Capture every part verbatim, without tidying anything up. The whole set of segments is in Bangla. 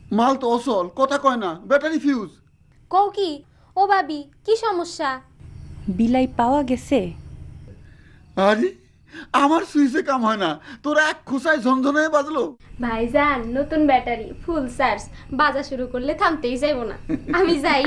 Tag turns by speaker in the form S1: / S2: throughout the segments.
S1: মাল তো অসল, কথা কয় না, ব্যাটারি ফিউজ।
S2: কও কি? ও ভাবি, কি সমস্যা?
S3: বিলাই পাওয়া গেছে?
S1: আরে আমার সুইচে কাম হয় না, তোরা এক খোসায় ঝনঝনে বাজলো।
S2: ভাইজান, নতুন ব্যাটারি, ফুল চার্জ, বাজা শুরু করলে থামতেই যাইব না। আমি যাই।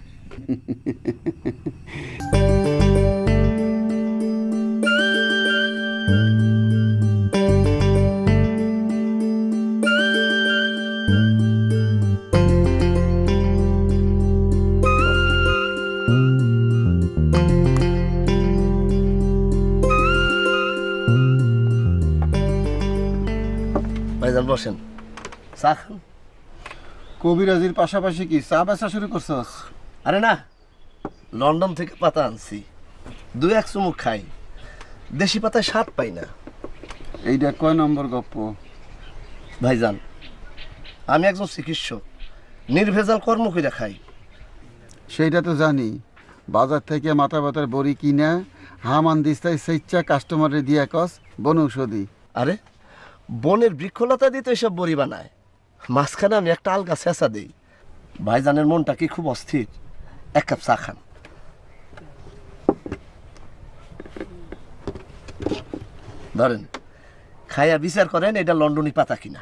S4: ভাইজান বসেন, চা খান।
S1: কবিরাজির পাশাপাশি কি চা বেচা শুরু করছস?
S4: আরে না, লন্ডন থেকে পাতা আনছি, দু এক চুমুক খাই, দেশি পাতায় স্বাদ পাই না।
S1: এইটা কয় নম্বর গপ্প?
S4: ভাইজান, আমি একজন চিকিৎসক, নির্ভেজাল কর্ম করে খাই।
S1: সেইটা তো জানি, বাজার থেকে মাথা ব্যথার বড়ি কিনা হামান দিস্তায় স্বেচ্ছা কাস্টমারে দিয়া কস বনৌষধি।
S4: আরে বনের বৃক্ষলতা দিয়ে তো এসব বড়ি বানায়, মাঝখানে আমি একটা আলগা ছেঁচা দিই। ভাইজানের মনটা কি খুব অস্থির, এক কাপ চা খান। ধরেন, খাইয়া বিচার করেন এটা লন্ডনী পাতা কিনা।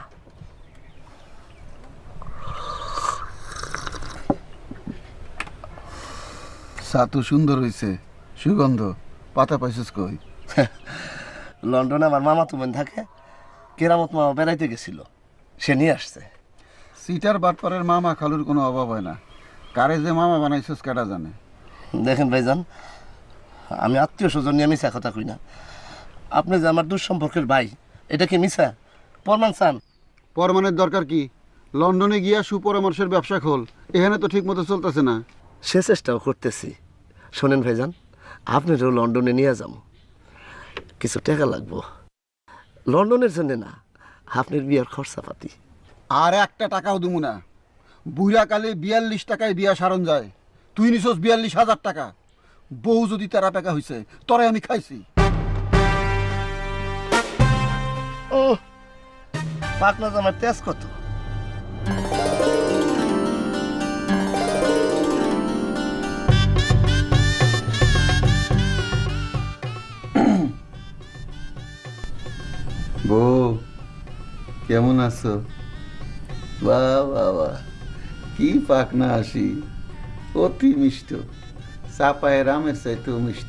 S1: চা তো সুন্দর হয়েছে, সুগন্ধ। পাতা পাইছিস কই?
S4: লন্ডনে আমার মামা তুমেন থাকে, কেরামত মামা বেড়াইতে গেছিল, সে নিয়ে আসছে।
S1: সিটার বাটপাড়ের মামা খালুর কোনো অভাব হয় না, কারে যে মামা বানাইছিস কেটা জানে।
S4: দেখেন ভাইজান, আমি আত্মীয় স্বজন নিয়ে মিশা কথা কই না। আপনি যে আমার দুঃসম্পর্কের ভাই, এটা কি মিশা প্রমাণ চান?
S1: পরমানের দরকার কি? লন্ডনে গিয়া সুপরামর্শের ব্যবসা খোল, এখানে তো ঠিক মতো চলতেছে না।
S4: সে চেষ্টাও করতেছি। শোনেন ভাইজান, আপনারও লন্ডনে নিয়ে যাবো, কিছু টাকা লাগবো। লন্ডনের জন্য না, আপনার বিয়ার খরচাপাতি।
S1: আর একটা টাকাও দিমু না। বুড়া কালে বিয়াল্লিশ টাকায় বিয়া সারণ যায়, তুই নিছস বিয়াল্লিশ হাজার টাকা। বউ যদি তেরা টাকা হয়েছে, তরে আমি খাইছি।
S4: ও পাকনা জামার তেজ কত?
S1: বউ কেমন আছো? বাহ বাহ বাহ, কি পাকনা আসি, অতি মিষ্ট, চাপায় রামের চাইতেও মিষ্ট।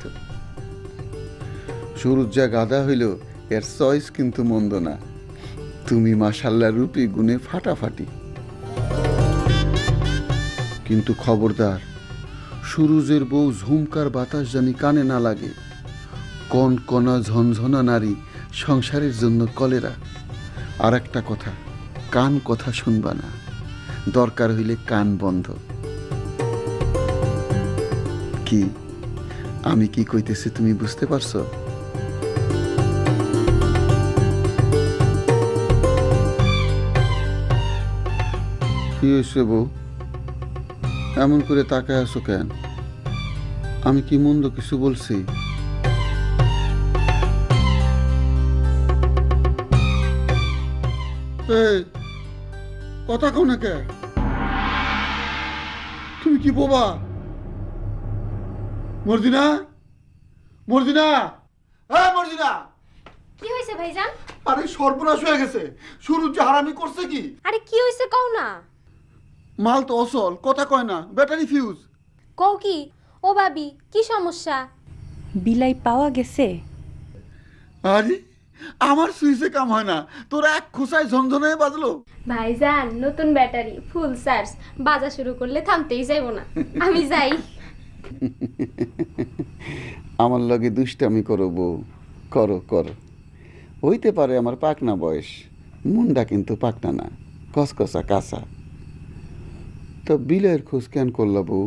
S1: শুরুর যা গাদা হইল, এর চয়েস কিন্তু মন্দ না। তুমি মাশাল্লাহ রূপী গুণে ফাটাফাটি। কিন্তু খবরদার, সুরুজের বউ ঝুমকার বাতাস জানি কানে না লাগে। কন কনা ঝনঝনা নারী সংসারের জন্য কলেরা। আর একটা কথা, কান কথা শুনবা না, দরকার হইলে কান বন্ধ। কি আমি কি কইতেছি তুমি বুঝতে পারছো? কি হয়েছে বউ, এমন করে তাকায় আছো কেন? আমি কি মন্দ কিছু বলছি? এই কথা কও না কে? তুমি কি বোবা? মর্জিনা, মর্জিনা, হ্যাঁ মর্জিনা।
S2: কি হয়েছে ভাইজান?
S1: আরে সর্বনাশ হয়ে গেছে, শুরু যে হারামি করছে কি?
S2: আরে কি হয়েছে কও না?
S1: মাল তো অসল, কথা কয় না, ব্যাটারি ফিউজ।
S2: কও কি? ও ভাবি, কি সমস্যা?
S3: বিলাই পাওয়া গেছে?
S1: আরে আমার সুইচে কাম হয় না, তোরা এক খোসায় ঝনঝনে বাজলো।
S2: ভাইজান, নতুন ব্যাটারি, ফুল চার্জ, বাজা শুরু করলে থামতেই যাইব না। আমি যাই।
S1: আমার লগে দুষ্টামি করো বউ, করো করো। হইতে পারে আমার পাকনা বয়স, মুন্ডা কিন্তু পাকনা না, কসকসা কাঁচা। তো বিলের খোঁজ কেন করল বউ?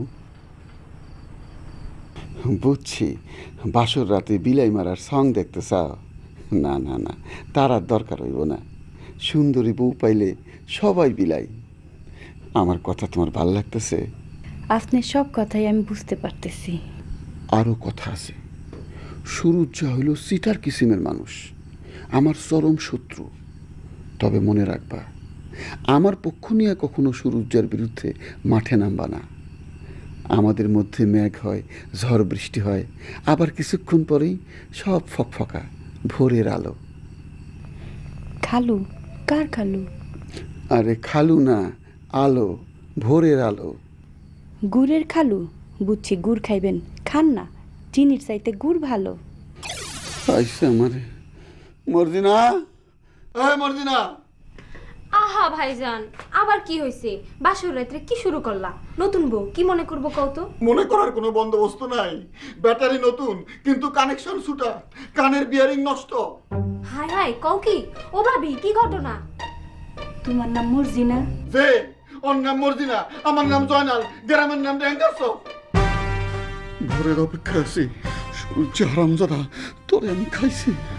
S1: বুঝছি, বাসর রাতে বিলাই মারার সং দেখতে চাও। না না না, তার আর দরকার হইব না। সুন্দরী বউ পাইলে সবাই বিলাই। আমার কথা তোমার ভাল লাগতেছে?
S3: আপনি সব কথাই আমি বুঝতে পারতেছি।
S1: আরও কথা আছে। সুরুজ্জা হইল সিটার কিসিমের মানুষ, আমার চরম শত্রু। তবে মনে রাখবা, আমার পক্ষ নিয়ে কখনো সুরুজ্জার বিরুদ্ধে মাঠে নামবা না। আমাদের মধ্যে মেঘ হয়, ঝড় বৃষ্টি হয়, আবার কিছুক্ষণ পরেই সব ফকফকা ভোরের আলো।
S3: খালু? কার খালু?
S1: আরে খালু না, আলো, ভোরের আলো।
S3: গুড়ের খালু? বুঝছি, গুড় খাইবেন, খান না, চিনির চাইতে গুড় ভালো।
S1: আইসে আমারে মর্জিনা, এই মর্জিনা।
S2: আহা ভাইজান, আবার কি হয়েছে? বাসর রাত্রে কি শুরু করলা? নতুন বউ কি মনে করবো কও তো?
S1: মনে করার কোনো বন্দোবস্ত নাই। ব্যাটারি নতুন কিন্তু কানেকশন ছুটা, কানের বিয়ারিং নষ্ট।
S2: হায় হায়, কও কি? ও ভাবি, কি ঘটনা?
S3: তোমার নাম মর্জিনা?
S1: যে ওর নাম মর্জিনা, আমার নাম জয়নাল, গ্রামের নাম ড্যাঙ্গারস। ভোরের অপেক্ষা আছি, সূর্য হারামজাদা, তোরে আমি খাইছি।